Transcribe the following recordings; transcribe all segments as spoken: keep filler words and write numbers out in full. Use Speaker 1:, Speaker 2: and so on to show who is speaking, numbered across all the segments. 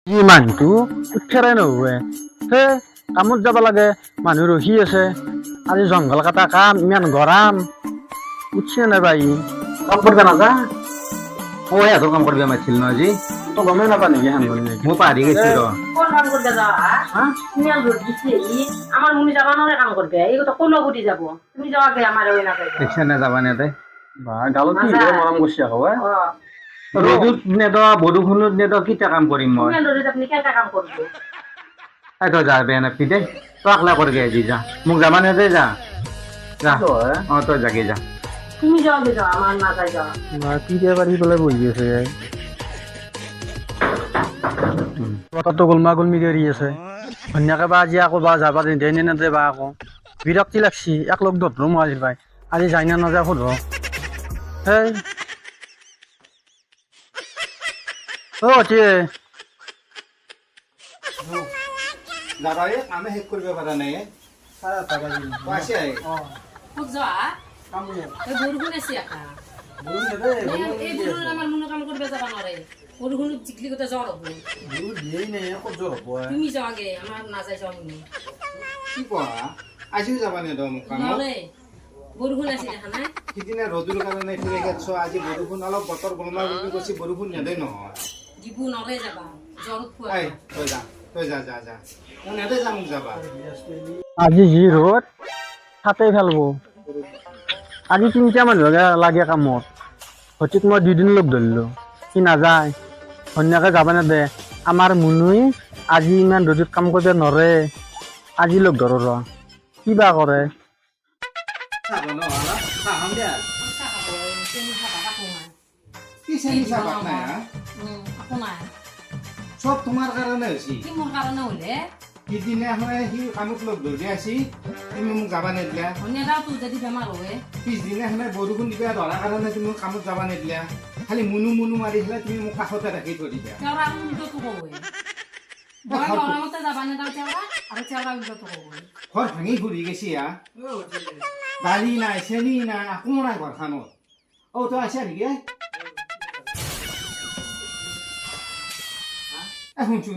Speaker 1: কি মানুহটো উঠেৰাই নহয় হে কামত যাব লাগে মানুহ ৰখি আছে আজি জংঘল কাটা কাম ইমান গৰম উঠছে নাই বাই কাম কৰবা নাযা
Speaker 2: ও এত কাম করবি আমার ছিল না আজি
Speaker 1: তো গমেই নাপা নেকি হেন কৰি নেকি
Speaker 2: মু পারি গেছি র
Speaker 3: কোন কাম করতে যাওয়া
Speaker 1: হা
Speaker 3: ইমান রোদ দিছে ই আমার মুনি যাবা নরে কাম করবে এই তো কোন গুটি যাব তুমি যাওয়া গে আমার ওই না কইবে
Speaker 2: দেখছেন না যাবা নেতে
Speaker 1: বা গালত কি রে মৰম কৰিছে আকৌ
Speaker 3: ও
Speaker 2: রোদুত নেদ বরুখুনত নেদ কিটা কাম করিম মই
Speaker 3: ইমান রোদে আপনি কেনটা কাম করবে
Speaker 2: এই তো যাবে না পিতে তো আকলা করবি আজি যা মুখ যাবা নেতে যা যা ও তো জাগে যা
Speaker 3: তুমি যাওয়া গে যাও আমার না যাই যাওয়া
Speaker 1: বা কি দিয়ে পাৰি পেলাই বহি আছে কথাটো গোলমা গোলমি কৰি আছে ধুনীয়াকে বা আজি আকৌ বা যাবা নিদিয়ে নে নেদে বা আকৌ বিৰক্তি লাগছি এক লগ ধৰো মই আজি পাই আজি যাই না নাযায় সোধ হেই অ টিয়ে
Speaker 2: দাদা এই কামে শেষ কৰিব পাৰা নাই পাইছে
Speaker 3: খুব যাওয়া এই বরগুন আছে একা এই বরগুন আমার মুনি কাম করবে যাবা নরে বরগুন চিকলি করতে যাওয়া হবে তুমি যাওয়া গে আমার না যাই যাওয়া মুনি
Speaker 2: কি কোৱা আজিও যাবা নেদ মোক কামত
Speaker 3: নরে বরগুন আছে দেখা না
Speaker 2: সিদিনা ৰ'দৰ কাৰণে ফিৰে গেছ আজি বৰষুণ অলপ বতৰ গলমা বুলি কৈছে বৰষুণ নেদে নহয়
Speaker 3: দিবু নরে যাবা জ্বর ফুয়া
Speaker 2: এই তই যা তই যা যা যা মই নেদে যাম মোক যাবা
Speaker 1: আজি যি ৰ'দ তাতে ফেলব আজি তিনিটা মানুহ লাগে কামত সঠিক মই দুদিন লগ ধৰিলোঁ সি নাযায় ধুনীয়াকে যাব নেদে আমাৰ মুনুই আজি ইমান ৰ'দত কাম কৰিব নৰে আজি লগ ধৰো ৰ কিবা কৰে
Speaker 2: চাব নহ'লে চাহাম দে
Speaker 3: খাবো চেনি খাবা কাকো নাই
Speaker 2: কি চেনি চাহপাত নাই হা
Speaker 3: উম কাকো নাই
Speaker 2: চব তোমাৰ কাৰণে হৈছে
Speaker 3: কি মোৰ কাৰণে হলে
Speaker 2: সিদিনাখনে সি কামত লগ ধৰি আছি তুমি মোক যাবা নেদিলা
Speaker 3: ধনিয়া দাও তোৰ যদি বেমাৰ হয়
Speaker 2: পিছদিনাখনে বৰষুণ দিবা ধৰাৰ কাৰণে তুমি মোক কামত যাবা নেদিলা খালি মুনু মুনু মাৰি পেলাই তুমি মোক কাষতে ৰাখি থৈ দিবা
Speaker 3: তেওৰা উল্টো তো কয় মই গৰমতে যাবা নে দাও তেওৰা আৰু তেওৰা উল্টো তো কয়
Speaker 2: ঘৰ ভাঙি ঘূৰি গেছি হা দালি নাই চেনি নাই একো নাই ঘৰখনত অ তই আছা নেকি এ শুনচোন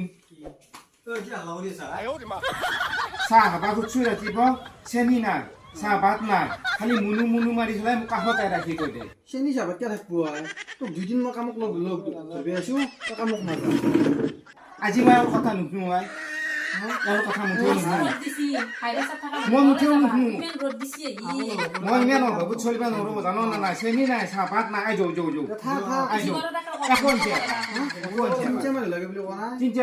Speaker 2: চাহ খাবা খুজছো ৰাতিপুৱা চেনি নাই চাহপাত নাই খালি মুনু মুনু মাৰি পেলাই মোক কাষতে ৰাখি থৈ দে
Speaker 1: চেনি চাহপাত কিয় থাকিব তোক দুদিন মই কামক লগ লগ ধৰি আছো তই কামক নাযাওঁ
Speaker 2: আজি মই আৰু কথা নুশুনো আই আৰু কথা মুঠেও নুশুনো
Speaker 3: ৰ'দ দিছি খাইলে চাহ থাকা
Speaker 2: মই মুঠেও নুশুনো
Speaker 3: ইমান ৰ'দ দিছি ই
Speaker 2: মই ইমান অভাৱত চলিব নোৱাৰো জানো না নাই চেনি নাই চাহপাত নাই আই যৌ যৌ যৌ আই যৌ একো আনছে একো আনছে
Speaker 1: লাগে বুলি কোৱা নাই
Speaker 2: তিনিটা